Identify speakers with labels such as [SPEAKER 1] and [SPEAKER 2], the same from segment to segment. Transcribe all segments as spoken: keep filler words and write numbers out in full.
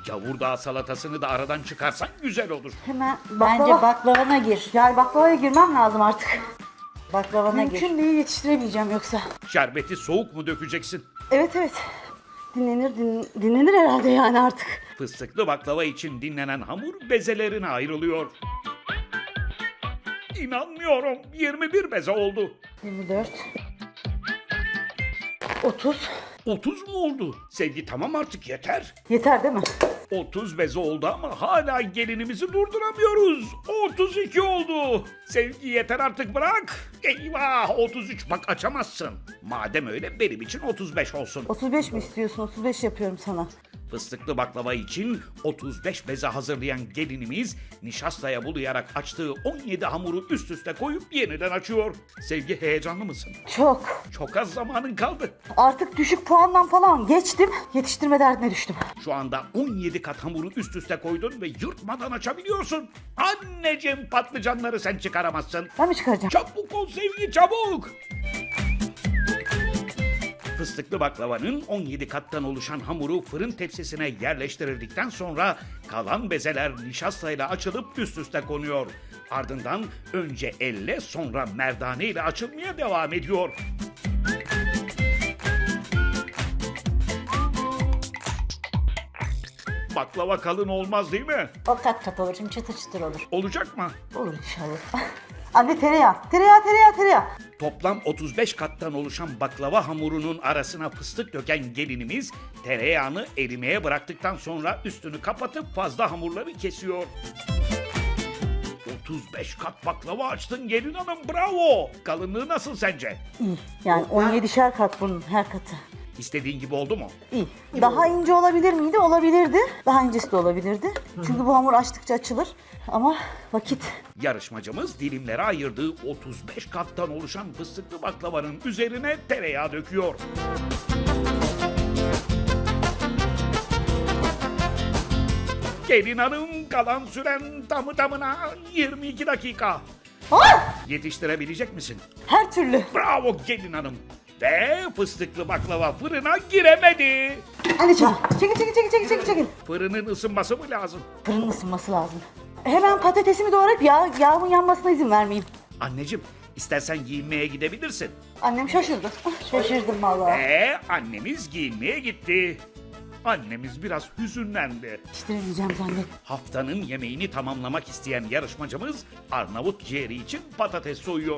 [SPEAKER 1] Gavurdağ salatasını da aradan çıkarsan güzel olur.
[SPEAKER 2] Hemen
[SPEAKER 3] Bence
[SPEAKER 2] baklava.
[SPEAKER 3] baklavana gir.
[SPEAKER 2] Yani baklavaya girmem lazım artık.
[SPEAKER 3] Baklavana gir.
[SPEAKER 2] Mümkün değil, yetiştiremeyeceğim yoksa.
[SPEAKER 1] Şerbeti soğuk mu dökeceksin?
[SPEAKER 2] Evet evet. Dinlenir din, dinlenir herhalde yani artık.
[SPEAKER 1] Fıstıklı baklava için dinlenen hamur bezelerine ayrılıyor. İnanmıyorum. yirmi bir beze oldu.
[SPEAKER 2] yirmi dört. otuz.
[SPEAKER 1] otuz mu oldu? Sevgi tamam artık yeter.
[SPEAKER 2] Yeter değil mi?
[SPEAKER 1] otuz beze oldu ama hala gelinimizi durduramıyoruz. otuz iki oldu. Sevgi yeter artık bırak. Eyvah otuz üç bak açamazsın. Madem öyle benim için otuz beş olsun.
[SPEAKER 2] otuz beş mi istiyorsun? otuz beş yapıyorum sana.
[SPEAKER 1] Fıstıklı baklava için otuz beş beze hazırlayan gelinimiz nişastaya bulayarak açtığı on yedi hamuru üst üste koyup yeniden açıyor. Sevgi heyecanlı mısın?
[SPEAKER 2] Çok.
[SPEAKER 1] Çok az zamanın kaldı.
[SPEAKER 2] Artık düşük puandan falan geçtim. Yetiştirme derdine düştüm.
[SPEAKER 1] Şu anda on yedi kat hamuru üst üste koydun ve yırtmadan açabiliyorsun. Anneciğim patlıcanları sen çıkaramazsın.
[SPEAKER 2] Ben mi çıkaracağım?
[SPEAKER 1] Çabuk ol Sevgi çabuk. Fıstıklı baklavanın on yedi kattan oluşan hamuru fırın tepsisine yerleştirildikten sonra kalan bezeler nişastayla açılıp üst üste konuyor. Ardından önce elle sonra merdane ile açılmaya devam ediyor. Baklava kalın olmaz değil mi?
[SPEAKER 3] O kat kat olur. Şimdi çıtır çıtır olur.
[SPEAKER 1] Olacak mı?
[SPEAKER 2] Olur inşallah. Anne tereyağı. Tereyağı tereyağı tereyağı.
[SPEAKER 1] Toplam otuz beş kattan oluşan baklava hamurunun arasına fıstık döken gelinimiz tereyağını erimeye bıraktıktan sonra üstünü kapatıp fazla hamurları kesiyor. otuz beş kat baklava açtın gelin hanım bravo. Kalınlığı nasıl sence?
[SPEAKER 2] İyi. Yani on yedişer kat bunun her katı.
[SPEAKER 1] İstediğin gibi oldu mu?
[SPEAKER 2] İyi. Daha ince olabilir miydi? Olabilirdi. Daha incesi de olabilirdi. Çünkü bu hamur açtıkça açılır. Ama vakit.
[SPEAKER 1] Yarışmacımız dilimlere ayırdığı otuz beş kattan oluşan fıstıklı baklavanın üzerine tereyağı döküyor. Gelin hanım kalan süren tamı tamına yirmi iki dakika.
[SPEAKER 2] Ah!
[SPEAKER 1] Yetiştirebilecek misin?
[SPEAKER 2] Her türlü.
[SPEAKER 1] Bravo gelin hanım. Ve fıstıklı baklava fırına giremedi.
[SPEAKER 2] Anne çekil. Çekil çekil çekil çekil çekil. çekil.
[SPEAKER 1] Fırının ısınması mı lazım?
[SPEAKER 2] Fırının ısınması lazım. Hemen patatesimi doğrayıp yağ, yağımın yanmasına izin vermeyeyim.
[SPEAKER 1] Anneciğim istersen giyinmeye gidebilirsin.
[SPEAKER 2] Annem şaşırdı. Şaşırdım vallahi.
[SPEAKER 1] Ve annemiz giyinmeye gitti. Annemiz biraz hüzünlendi.
[SPEAKER 2] Yetiştiremeyeceğim zannet.
[SPEAKER 1] Haftanın yemeğini tamamlamak isteyen yarışmacımız Arnavut ciğeri için patates soyuyor.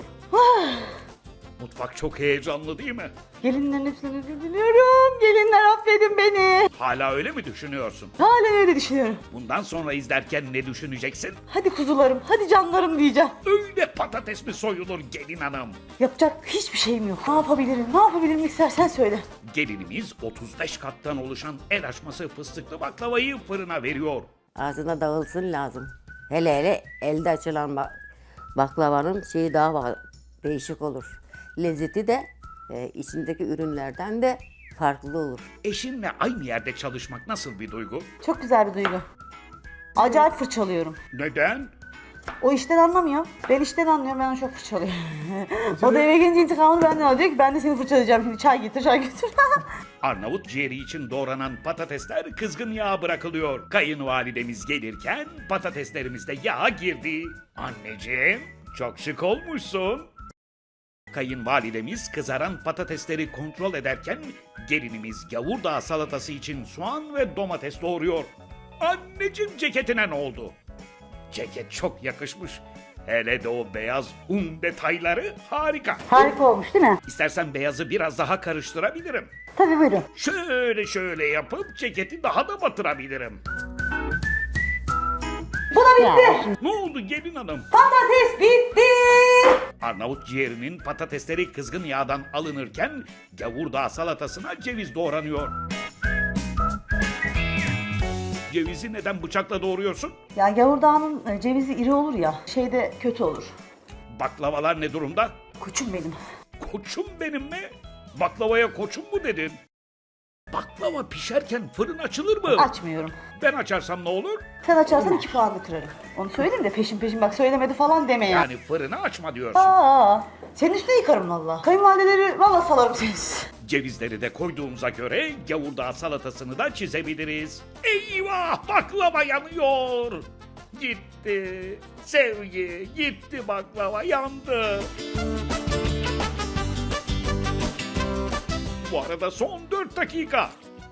[SPEAKER 1] Mutfak çok heyecanlı değil mi?
[SPEAKER 2] Gelinlerin hepsini özür diliyorum. Gelinler affedin beni.
[SPEAKER 1] Hala öyle mi düşünüyorsun?
[SPEAKER 2] Halen öyle düşünüyorum.
[SPEAKER 1] Bundan sonra izlerken ne düşüneceksin?
[SPEAKER 2] Hadi kuzularım, hadi canlarım diyeceğim.
[SPEAKER 1] Öyle patates mi soyulur gelin hanım?
[SPEAKER 2] Yapacak hiçbir şeyim yok. Ne yapabilirim, ne yapabilirim istersen söyle.
[SPEAKER 1] Gelinimiz otuz beş kattan oluşan el açması fıstıklı baklavayı fırına veriyor.
[SPEAKER 4] Ağzına dağılsın lazım. Hele hele elde açılan ba- baklavanın şeyi daha ba- değişik olur. Lezzeti de e, içindeki ürünlerden de farklı olur.
[SPEAKER 1] Eşinle aynı yerde çalışmak nasıl bir duygu?
[SPEAKER 2] Çok güzel bir duygu. Acayip fırçalıyorum.
[SPEAKER 1] Neden?
[SPEAKER 2] O işten anlamıyor. Ben işten anlıyorum, ben onu çok fırçalıyorum. O da eve gelince intikamını benden alıyor. Diyor ki ben de seni fırçalayacağım şimdi, çay getir, çay getir.
[SPEAKER 1] Arnavut ciğeri için doğranan patatesler kızgın yağa bırakılıyor. Kayınvalidemiz gelirken patateslerimiz de yağa girdi. Anneciğim çok şık olmuşsun. Kayınvalidemiz kızaran patatesleri kontrol ederken gelinimiz gavurdağ salatası için soğan ve domates doğuruyor. Anneciğim ceketine ne oldu? Ceket çok yakışmış. Hele de o beyaz un detayları harika.
[SPEAKER 2] Harika olmuş değil mi?
[SPEAKER 1] İstersen beyazı biraz daha karıştırabilirim.
[SPEAKER 2] Tabii buyurun.
[SPEAKER 1] Şöyle şöyle yapıp ceketi daha da batırabilirim.
[SPEAKER 2] Bu da bitti.
[SPEAKER 1] Ne oldu gelin hanım?
[SPEAKER 2] Patates bitti.
[SPEAKER 1] Arnavut ciğerinin patatesleri kızgın yağdan alınırken gavurdağ salatasına ceviz doğranıyor. Cevizi neden bıçakla doğruyorsun?
[SPEAKER 2] Ya gavurdağının e, cevizi iri olur ya, şeyde kötü olur.
[SPEAKER 1] Baklavalar ne durumda?
[SPEAKER 2] Koçum benim.
[SPEAKER 1] Koçum benim mi? Baklavaya koçum mu dedin? Baklava pişerken fırın açılır mı?
[SPEAKER 2] Açmıyorum.
[SPEAKER 1] Ben açarsam ne olur?
[SPEAKER 2] Sen açarsan iki puanını kırarım. Onu söyleyeyim de peşin peşin bak söylemedi falan deme ya.
[SPEAKER 1] Yani fırını açma diyorsun.
[SPEAKER 2] Aa, senin üstüne yıkarım valla. Kayınvalideleri valla salarım seni.
[SPEAKER 1] Cevizleri de koyduğumuza göre gavurdağ salatasını da çizebiliriz. Eyvah, baklava yanıyor. Gitti. Sevgi gitti, baklava yandı. Bu arada son dört dakika.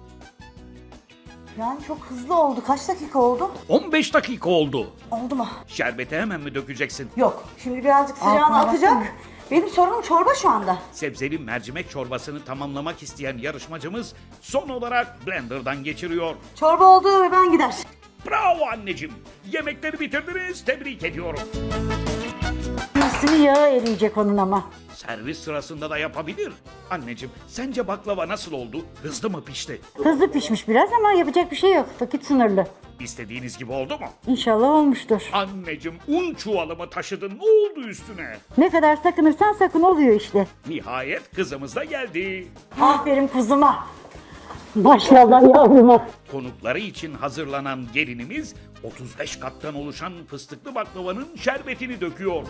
[SPEAKER 2] Yani çok hızlı oldu. Kaç dakika oldu?
[SPEAKER 1] on beş dakika oldu.
[SPEAKER 2] Oldu mu?
[SPEAKER 1] Şerbeti hemen mi dökeceksin?
[SPEAKER 2] Yok. Şimdi birazcık sıcağını
[SPEAKER 3] Altına
[SPEAKER 2] atacak.
[SPEAKER 3] baksana.
[SPEAKER 2] Benim sorunum çorba şu anda.
[SPEAKER 1] Sebzeli mercimek çorbasını tamamlamak isteyen yarışmacımız son olarak blenderdan geçiriyor.
[SPEAKER 2] Çorba oldu ve ben gider.
[SPEAKER 1] Bravo anneciğim. Yemekleri bitirdiniz. Tebrik ediyorum.
[SPEAKER 3] Üstünü yağı eriyecek onun ama.
[SPEAKER 1] Servis sırasında da yapabilir. Anneciğim, sence baklava nasıl oldu? Hızlı mı pişti?
[SPEAKER 3] Hızlı pişmiş biraz ama yapacak bir şey yok. Vakit sınırlı.
[SPEAKER 1] İstediğiniz gibi oldu mu?
[SPEAKER 3] İnşallah olmuştur.
[SPEAKER 1] Anneciğim, un çuvalımı taşıdın. Ne oldu üstüne?
[SPEAKER 3] Ne kadar sakınırsan sakın oluyor işte.
[SPEAKER 1] Nihayet kızımız da geldi.
[SPEAKER 3] Aferin kuzuma. Maşallah yavruma.
[SPEAKER 1] Konukları için hazırlanan gelinimiz otuz beş kattan oluşan fıstıklı baklavanın şerbetini döküyor.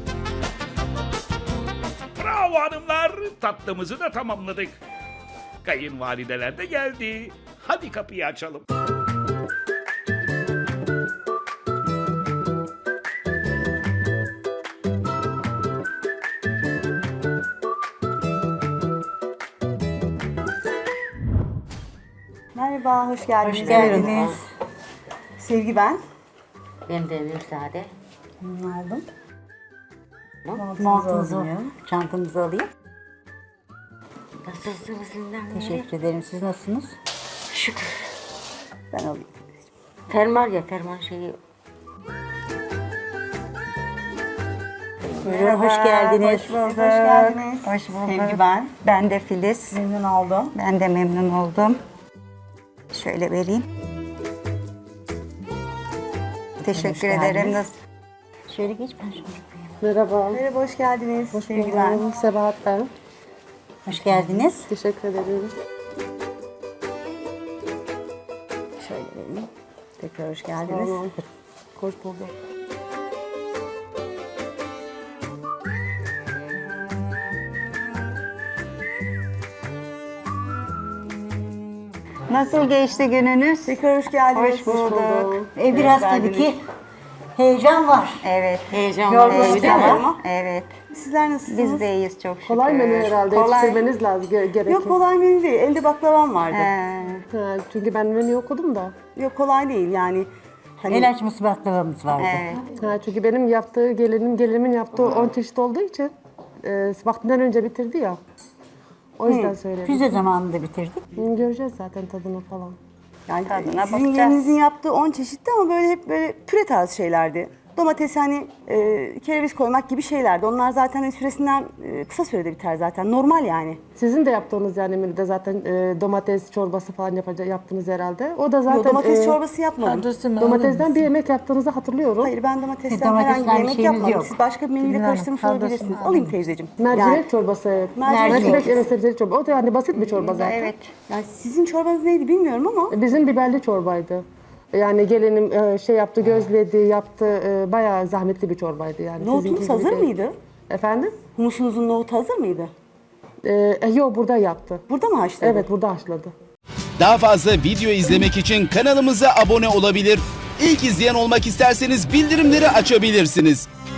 [SPEAKER 1] Bravo hanımlar, tatlımızı da tamamladık. Kayınvalideler de geldi. Hadi kapıyı açalım.
[SPEAKER 2] Merhaba, hoş geldiniz.
[SPEAKER 3] Hoş geldiniz.
[SPEAKER 2] Buyurun. Sevgi ben.
[SPEAKER 4] Ben de Emir Sade.
[SPEAKER 2] Bunu aldım.
[SPEAKER 3] Montunuzu,
[SPEAKER 2] alayım.
[SPEAKER 3] çantanızı alayım.
[SPEAKER 4] Nasılsınız Ünlem?
[SPEAKER 3] Teşekkür ederim. Siz nasılsınız?
[SPEAKER 4] Şükür.
[SPEAKER 2] Ben alayım.
[SPEAKER 4] Fermuar ya fermuar şeyi.
[SPEAKER 3] Buyurun, hoş geldiniz.
[SPEAKER 2] Hoş bulduk. Hoş geldiniz.
[SPEAKER 5] Hoş bulduk.
[SPEAKER 2] Sevgi ben.
[SPEAKER 5] Ben de Filiz.
[SPEAKER 2] Memnun oldum.
[SPEAKER 5] Ben de memnun oldum. Şöyle vereyim. Teşekkür
[SPEAKER 3] Hoş
[SPEAKER 5] ederim.
[SPEAKER 3] geldiniz.
[SPEAKER 5] Nasıl-
[SPEAKER 3] Şöyle geç ben şöyle yapayım.
[SPEAKER 6] Merhaba.
[SPEAKER 2] Merhaba, hoş geldiniz.
[SPEAKER 6] Hoş
[SPEAKER 2] Sevgi ben.
[SPEAKER 6] buldum. Sebahat ben.
[SPEAKER 3] Hoş geldiniz.
[SPEAKER 6] Teşekkür ederim.
[SPEAKER 2] Şöyle vereyim. Tekrar hoş geldiniz.
[SPEAKER 6] Tamam. Hoş bulduk.
[SPEAKER 5] Nasıl geçti gününüz?
[SPEAKER 2] Tekrar hoş geldiniz.
[SPEAKER 5] Hoş bulduk.
[SPEAKER 3] E, biraz tabii ki heyecan var.
[SPEAKER 5] Evet.
[SPEAKER 4] Heyecan
[SPEAKER 2] Yorgunuz
[SPEAKER 4] var.
[SPEAKER 2] değil mi?
[SPEAKER 5] Heyecan.
[SPEAKER 2] Ama
[SPEAKER 5] Evet.
[SPEAKER 2] sizler nasılsınız?
[SPEAKER 5] Biz de iyiyiz çok şükür.
[SPEAKER 6] Kolay menü herhalde.
[SPEAKER 5] Kolay.
[SPEAKER 6] Yetiştirmeniz lazım. Ge- gerekir.
[SPEAKER 2] Yok kolay menü değil. Elde baklavam vardı.
[SPEAKER 5] He.
[SPEAKER 6] Ha, çünkü ben menü okudum da.
[SPEAKER 2] Yok kolay değil yani. Hani
[SPEAKER 3] El açması baklavamız vardı.
[SPEAKER 5] Evet.
[SPEAKER 6] Ha, çünkü benim yaptığı gelinim, gelinimin yaptığı on çeşit olduğu için e, vaktinden önce bitirdi ya. O yüzden söyledim.
[SPEAKER 3] Füze zamanında bitirdik.
[SPEAKER 6] Hı, göreceğiz zaten tadını falan.
[SPEAKER 2] yani
[SPEAKER 5] Tadına
[SPEAKER 2] sizin
[SPEAKER 5] bakacağız.
[SPEAKER 2] gelinizin yaptığı on çeşitti ama böyle hep böyle püre tarzı şeylerdi. Domates hani e, kereviz koymak gibi şeylerdi. Onlar zaten hani süresinden e, kısa sürede biter zaten. Normal yani.
[SPEAKER 6] Sizin de yaptığınız yani menüde zaten e, domates çorbası falan yapacak, yaptınız herhalde. O da zaten
[SPEAKER 2] Yok, domates
[SPEAKER 6] e,
[SPEAKER 2] çorbası yapmadım.
[SPEAKER 6] domatesden bir yemek yaptığınızı hatırlıyorum.
[SPEAKER 2] Hayır ben domatesten
[SPEAKER 3] Domatesten
[SPEAKER 2] herhangi bir
[SPEAKER 3] bir
[SPEAKER 2] yemek
[SPEAKER 3] şeyimiz
[SPEAKER 2] yapmadım.
[SPEAKER 3] yok.
[SPEAKER 2] Siz başka bir menüyle
[SPEAKER 3] Bilmiyorum,
[SPEAKER 2] karıştırmış
[SPEAKER 3] kaldırsın.
[SPEAKER 2] olabilirsiniz. Alayım teyzeciğim.
[SPEAKER 6] Mercimek
[SPEAKER 2] Yani,
[SPEAKER 6] çorbası evet.
[SPEAKER 2] Mercimek
[SPEAKER 6] Mercimek
[SPEAKER 2] çorbası.
[SPEAKER 6] evet sebzeli çorba. O da yani basit bir çorba zaten.
[SPEAKER 5] Evet.
[SPEAKER 2] yani sizin çorbanız neydi bilmiyorum ama
[SPEAKER 6] Bizim biberli çorbaydı. Yani gelinim e, şey yaptı, gözledi, yaptı. e, Bayağı zahmetli bir çorbaydı yani.
[SPEAKER 2] nohutunuz
[SPEAKER 6] Sizinki gibi
[SPEAKER 2] hazır
[SPEAKER 6] değil.
[SPEAKER 2] mıydı?
[SPEAKER 6] Efendim?
[SPEAKER 2] Humusunuzun nohutu hazır mıydı?
[SPEAKER 6] E, e, yok burada yaptı.
[SPEAKER 2] Burada mı haşladı?
[SPEAKER 6] Evet burada haşladı.
[SPEAKER 7] Daha fazla video izlemek için kanalımıza abone olabilir. İlk izleyen olmak isterseniz bildirimleri açabilirsiniz.